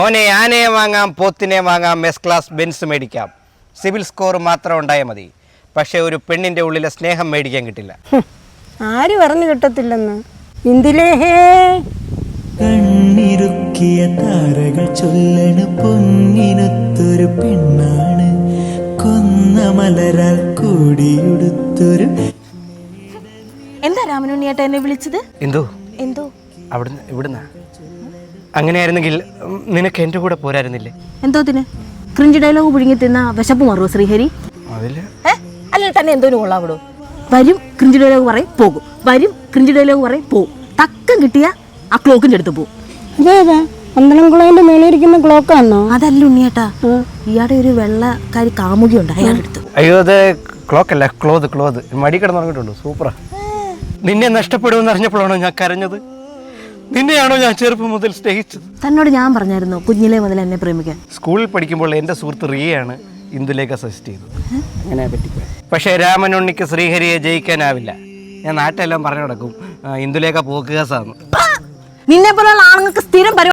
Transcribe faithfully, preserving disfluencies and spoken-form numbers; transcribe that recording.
ഓനെ ആനയെ വാങ്ങാം, പോത്തിനെ വാങ്ങാം, എസ് ക്ലാസ് ബെൻസ് മേടിക്കാം, സിവിൽ സ്കോർ മാത്രം ഉണ്ടായാൽ മതി. പക്ഷെ ഒരു പെണ്ണിന്റെ ഉള്ളിലെ സ്നേഹം മേടിക്കാൻ കിട്ടില്ല. ആര് പറഞ്ഞു കിട്ടത്തില്ലെന്ന്? ഇന്ദിലേഹേ കണ്ണിറുക്കിയ താരകൾ ചൊല്ലണ പൊന്നിനൊത്തൊരു പെണ്ണാണ്, കൊന്ന മലരാൽ കൂടിയുടുത്തൊരു. എന്താ രാമനുണ്ണിയേട്ട എന്നെ വിളിച്ചത്? എന്തോ എന്തോ അവിടുന്ന് ഇവിടുന്ന്. അങ്ങനെയായിരുന്നെങ്കിൽ നിനക്ക് എൻ്റെ കൂടെ പോരായിരുന്നില്ലേ? എന്തോത്തിന്? ക്രിഞ്ച് ഡയലോഗ് പുഴുങ്ങി തിന്ന വിശപ്പ് മാറുമോ ശ്രീഹരി? അതില് അല്ലെങ്കിൽ തന്നെ എന്തോന് കൊള്ളാവിടോ? വരും ക്രിഞ്ച് ഡയലോഗ് പറയും പോകും, വരും ക്രിഞ്ച് ഡയലോഗ് പറയും പോകും. തക്കം കിട്ടിയ ആ ക്ലോക്കിന്റെ അടുത്ത് പോകും. അതെ അതെ, പന്തളംകുളത്തിന്റെ മേളിരിക്കുന്ന ക്ലോക്കാണോ? അതല്ല ഉണ്ണിയേട്ടാ, ഇയാടെ ഒരു വെള്ളക്കാരി കാമുകി ഉണ്ട് അയാളുടെ അടുത്ത്. അയ്യോ, അത് ക്ലോക്ക് അല്ല, ക്ലോത്ത് ക്ലോത്ത് മടി കിടന്നുറങ്ങിയിട്ടുണ്ട്. സൂപ്പറാ. നിന്നെ നഷ്ടപ്പെടുമെന്ന് അറിഞ്ഞപ്പോഴാണോ ഞാൻ കരഞ്ഞത്? നിന്നെയാണോ ഞാൻ ചെറുപ്പം മുതൽ സ്നേഹിച്ചത്? തന്നോട് ഞാൻ പറഞ്ഞായിരുന്നു കുഞ്ഞിലേ മുതൽ എന്നെ പ്രേമിക്കാൻ. സ്കൂളിൽ പഠിക്കുമ്പോൾ എൻ്റെ സുഹൃത്ത് റിയയാണ് ഇന്ദുലേഖ സജസ്റ്റ് ചെയ്തത്. അങ്ങനെ പറ്റിപ്പോയി. പക്ഷേ രാമനുണ്ണിക്ക് ശ്രീഹരിയെ ജയിക്കാനാവില്ല. ഞാൻ നാട്ടിലെല്ലാം പറഞ്ഞു നടക്കും ഇന്ദുലേഖ പോക്കുകസാന്ന്. നിന്നെ പോലുള്ള ആണുങ്ങൾക്ക് സ്ഥിരം